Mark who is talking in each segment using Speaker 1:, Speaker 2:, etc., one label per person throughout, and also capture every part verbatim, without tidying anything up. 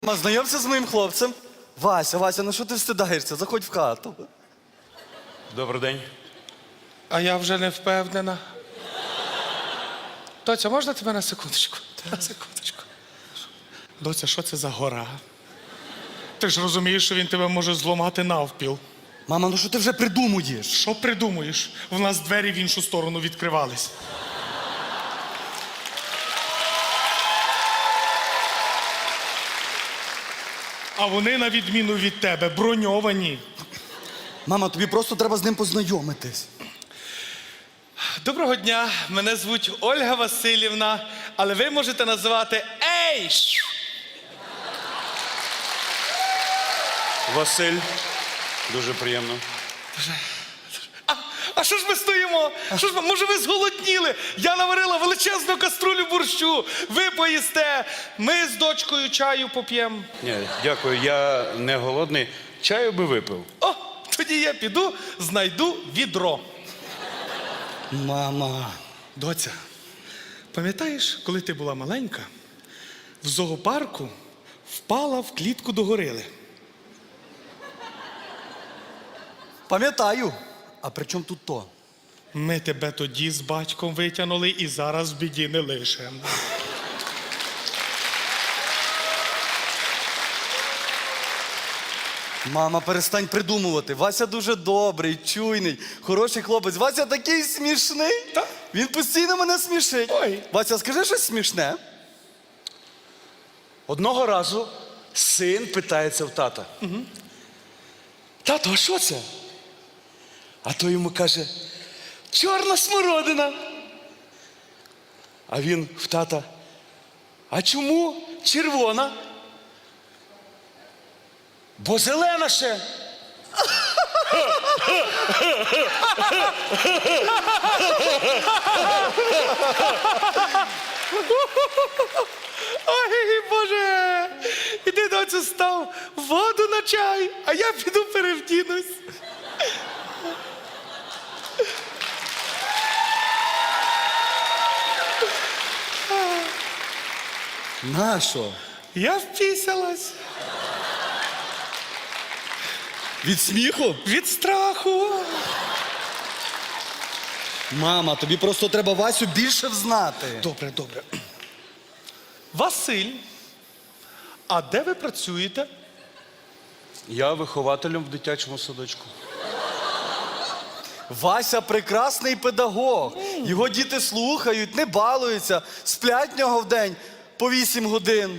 Speaker 1: Мама, знайомся з моїм хлопцем. Вася, Вася, ну що ти встидаєшся? Заходь в хату.
Speaker 2: Добрий день.
Speaker 3: А я вже не впевнена. Доця, можна тебе на секундочку? На секундочку. Доця, що це за гора? Ти ж розумієш, що він тебе може зламати навпіл.
Speaker 1: Мама, ну що ти вже придумуєш?
Speaker 3: Що придумуєш? В нас двері в іншу сторону відкривались. А вони, на відміну від тебе, броньовані.
Speaker 1: Мама, тобі просто треба з ним познайомитись.
Speaker 3: Доброго дня, мене звуть Ольга Васильівна, але ви можете називати Ей!
Speaker 2: Василь. Дуже приємно.
Speaker 3: А, а що ж ми стоїмо? Що ж ми, може ви зголодніли? Я наварила величезну каструлю борщу. Ви поїсте, ми з дочкою чаю поп'ємо.
Speaker 2: Ні, дякую, я не голодний. Чаю би випив.
Speaker 3: О, тоді я піду, знайду відро.
Speaker 1: Мама.
Speaker 3: Доця, пам'ятаєш, коли ти була маленька, в зоопарку впала в клітку до горили?
Speaker 1: Пам'ятаю. А при чому тут то?
Speaker 3: Ми тебе тоді з батьком витягнули і зараз в біді не лишимо.
Speaker 1: Мама, перестань придумувати. Вася дуже добрий, чуйний, хороший хлопець. Вася такий смішний.
Speaker 3: Та?
Speaker 1: Він постійно мене смішить.
Speaker 3: Ой.
Speaker 1: Вася, скажи щось смішне.
Speaker 2: Одного разу син питається в тата. Угу. Тато, а що це? А той йому каже, чорна смородина. А він в тата, а чому червона? Бо зелена ще.
Speaker 3: Ой, Боже! Іди, доцю, став воду на чай, а я піду перевдінусь.
Speaker 1: Нащо?
Speaker 3: Я впісялась.
Speaker 1: Від сміху?
Speaker 3: Від страху.
Speaker 1: Мама, тобі просто треба Васю більше взнати.
Speaker 3: Добре, добре. Василь, а де ви працюєте?
Speaker 2: Я вихователем в дитячому садочку.
Speaker 1: Вася прекрасний педагог. Його діти слухають, не балуються, сплять в нього в день по вісім годин.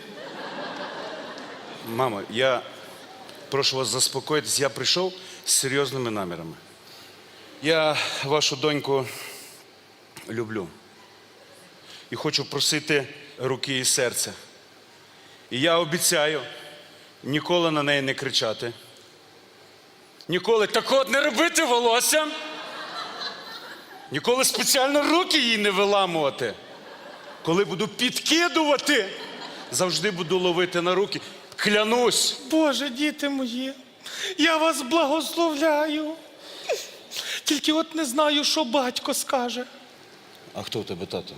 Speaker 2: Мамо, я прошу вас заспокоїтись, я прийшов з серйозними намірами. Я вашу доньку люблю. І хочу просити руки і серця. І я обіцяю ніколи на неї не кричати. Ніколи так от не робити волосся. Ніколи спеціально руки їй не виламувати. Коли буду підкидувати, завжди буду ловити на руки. Клянусь.
Speaker 3: Боже, діти мої, я вас благословляю. Тільки от не знаю, що батько скаже.
Speaker 2: А хто у тебе, тато?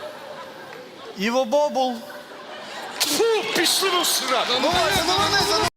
Speaker 1: Іво Бобул.
Speaker 2: Фу, пішли ви в сраку.
Speaker 1: Ну, Вася, ну, вони за